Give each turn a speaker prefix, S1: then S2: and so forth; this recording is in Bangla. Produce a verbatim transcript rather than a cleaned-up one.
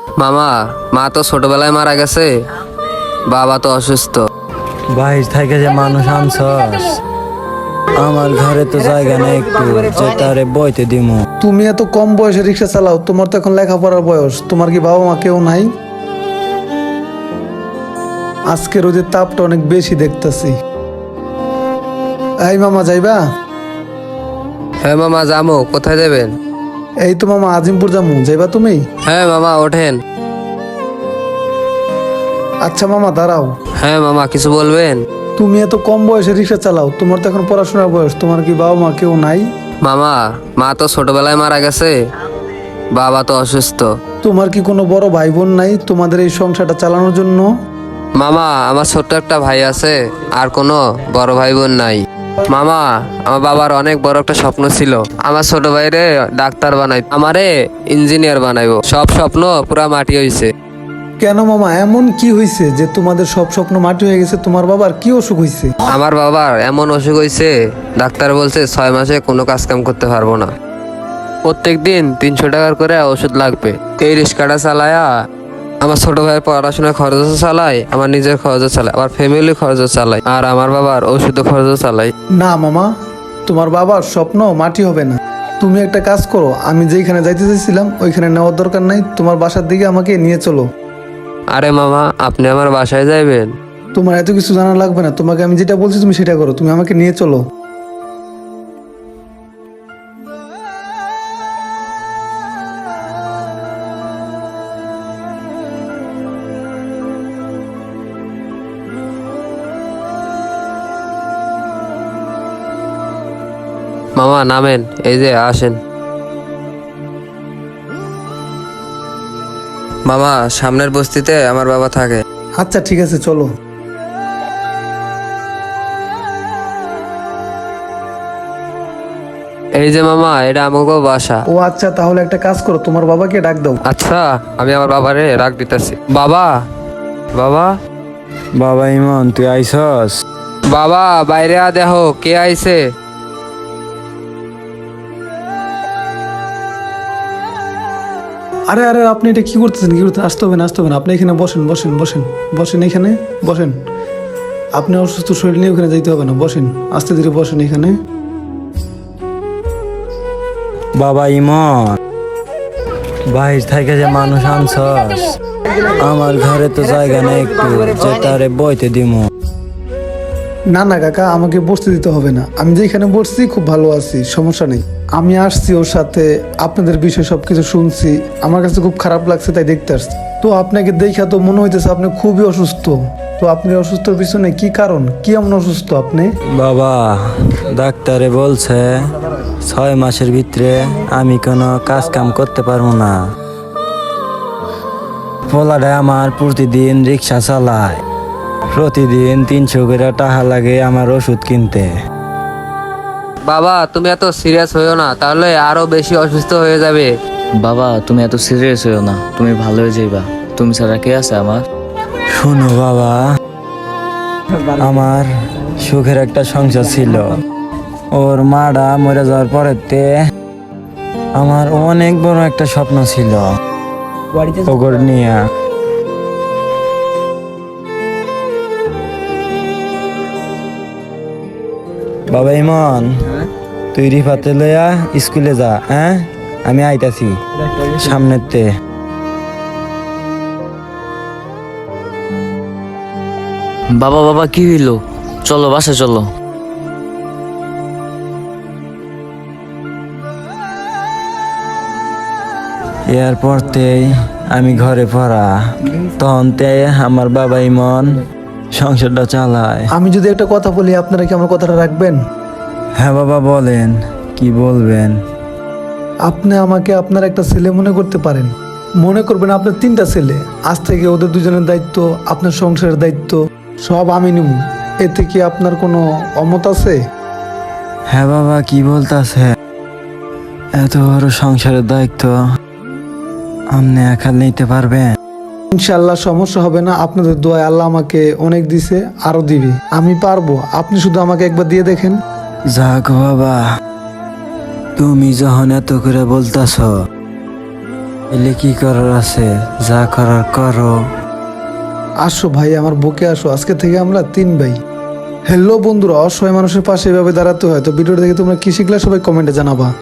S1: মামা, মা তো ছোটবেলায় মারা গেছে, বাবা তো অসুস্থ।
S2: বাইর থেকে যে মানুষ আনছস, আমার ঘরে তো জায়গা নেই একটু যে তারে বইতে দিমু।
S3: তুমি এত কম বয়সে রিক্সা চালাও, তোমার তো এখন লেখাপড়ার বয়স। তোমার কি বাবা মা কেউ নাই? আজকে রোদের তাপটা অনেক বেশি দেখতেছি। এই মামা, যাইবা?
S1: হ্যাঁ মামা, যাবো। কোথায় যাবেন?
S3: এই তো মামা, আজিমপুর যামু, যাইবা তুমি?
S1: হ্যাঁ মামা, ওঠেন।
S3: আচ্ছা মামা, দাঁড়াও।
S1: হ্যাঁ মামা, কিছু বলবেন?
S3: তুমি এত কম বয়সে রিক্সা চালাও, তোমার তো এখন পড়াশোনার বয়স। তোমার কি বাবা মা কেউ নাই?
S1: মামা, মা তো ছোটবেলায় মারা গেছে, বাবা তো অসুস্থ।
S3: তোমার কি কোনো বড় ভাই বোন নাই তোমাদের এই সংসারটা চালানোর জন্য?
S1: মামা, আমার ছোট্ট একটা ভাই আছে, আর কোনো বড় ভাই বোন নাই। মামা, আমার বাবার অনেক বড় একটা স্বপ্ন ছিল, আমার ছোট ভাইরে ডাক্তার বানাই, আমারে ইঞ্জিনিয়ার বানাইবো। সব স্বপ্ন পুরা মাটি হইছে।
S3: কেন মামা, এমন কি হয়েছে যে তোমাদের সব স্বপ্ন মাটি হয়ে গেছে? তোমার বাবার কি অসুখ হয়েছে?
S1: আমার বাবার এমন অসুখ হয়েছে, ডাক্তার বলছে ছয় মাসে কোনো কাজ কাম করতে পারবো না। প্রত্যেক দিন তিনশো টাকার করে ওষুধ লাগবে। এই রিক্সাটা চালায়া আমার ছোট ভাইয়ের পড়াশোনার খরচও চালাই, আমার নিজের খরচও চালাই, আমার ফ্যামিলির খরচও চালাই, আর আমার বাবার ওষুধ খরচও চালাই।
S3: না মামা, তোমার বাবার স্বপ্ন মাটি হবে না। তুমি একটা কাজ করো, আমি যেখানে যাইতে চাইছিলাম ওইখানে নেওয়ার দরকার নাই, তোমার বাসার দিকে আমাকে নিয়ে চলো।
S1: আরে মামা, আপনি আমার বাসায় যাইবেন?
S3: তোমার এত কিছু জানা লাগবে না, তোমাকে আমি যেটা বলছি তুমি সেটা করো, তুমি আমাকে নিয়ে চলো।
S1: মামা নামেন, এই যে আসেন। মামা, সামনের বস্তিতে আমার বাবা থাকে।
S3: আচ্ছা ঠিক আছে, চলো।
S1: এই যে মামা, এটা আমাকে বাসা।
S3: ও আচ্ছা, তাহলে একটা কাজ করো, তোমার বাবাকে ডাক দাও।
S1: আচ্ছা, আমি আমার বাবারে রাগ দিতেছি। বাবা, বাবা,
S2: বাবা ইমন, তুই আইসস?
S1: বাবা, বাইরে আ, দেখো কে আইছে।
S3: আরে আরে, আপনি এটা কি করতেছেন? কি করতে? আসতে হবে না, আসতে হবে না, আপনি এখানে বসেন, বসেন, বসেন, বসেন, এখানে বসেন। আপনি অসুস্থ শরীর নিয়ে ওখানে যাইতে হবে না, বসেন, আস্তে ধীরে বসেন এখানে।
S2: বাবা ইমন, বাইর থেকে যে মানুষ আনছস, আমার ঘরে তো জায়গা নেই একটু যে তারে বইতে দিমু।
S3: না না কাকা, আমাকে বসতে দিতে হবে না, আমি যেখানে বসছি খুব ভালো আছি, সমস্যা নেই। আমি আসছি ওর সাথে, আপনাদের বিষয়ে সবকিছু শুনছি, আমার কাছে খুব খারাপ লাগছে তাই দেখতে আসছি। তো আপনাকে দেখা তো মনে হইতেছে আপনি খুবই অসুস্থ। তো আপনি অসুস্থর পিছনে কি কারণ? কি এমন অসুস্থ আপনি?
S2: বাবা, ডাক্তারে বলছে ছয় মাসের ভিতরে আমি কোনো কাজ কাম করতে পারবো না। পোলারে আমার প্রতিদিন রিক্সা চালায়, প্রতিদিন তিনশো করে টাকা লাগে আমার ওষুধ কিনতে।
S1: বাবা, তুমি এত সিরিয়াস হইও না, তাহলে আরো বেশি অসুস্থ হয়ে যাবে।
S4: বাবা, তুমি এত সিরিয়াস হইও না, তুমি ভালো হয়ে যাইবা। তুমি ছাড়া কে আছে আমার?
S2: শোনো বাবা, আমার সুখের একটা সংসার ছিল, ওর মাটা মরে যাওয়ার পরেতে আমার অনেক বড় একটা স্বপ্ন ছিল ওগর নিয়ে। বাবা ইমন, তুই রিফাতে লইয়া স্কুলে যা, হ্যাঁ? আমি আইতাছি সামনেতে।
S4: বাবা বাবা, কি হইলো? চলো বাসা চলো।
S2: এরপরতেই আমি ঘরে পড়া, তখন তে আমার বাবা ইমন সংসারটা চালায়।
S3: আমি যদি একটা কথা বলি, আপনারা কি আমার কথাটা রাখবেন?
S2: হ্যাঁ বাবা, বলেন, কি বলবেন?
S3: আপনি আমাকে আপনার একটা ছেলে মনে করতে পারেন, মনে করবেন আপনার তিনটা ছেলে। আজ থেকে ওদের দুজনের দায়িত্ব, আপনার সংসারের দায়িত্ব সব আমি নিব। এতে কি আপনার কোনো অমত আছে?
S2: হ্যাঁ বাবা, কি বলতাছে? এত বড় সংসারের দায়িত্ব আপনি একা নিতে পারবেন?
S3: ইনশাল্লাহ সমস্যা হবে না, আপনাদের দোয়ায় আল্লাহ আমাকে অনেক দিছে, আরো দিবে, আমি পারবো। আপনি শুধু আমাকে একবার দিয়ে দেখেন।
S2: যাক বাবা, তুমি যখন এত করে বলতাছ এলে কি করার আছে, যা করার করো।
S3: আসো ভাই, আমার বুকে আসো, আজকে থেকে আমরা তিন ভাই। হ্যালো বন্ধুরা, অসহায় মানুষের পাশে এভাবে দাঁড়াতে হয়। তো ভিডিওটা দেখে তোমরা কি শিখলে সবাই কমেন্টে জানাবা।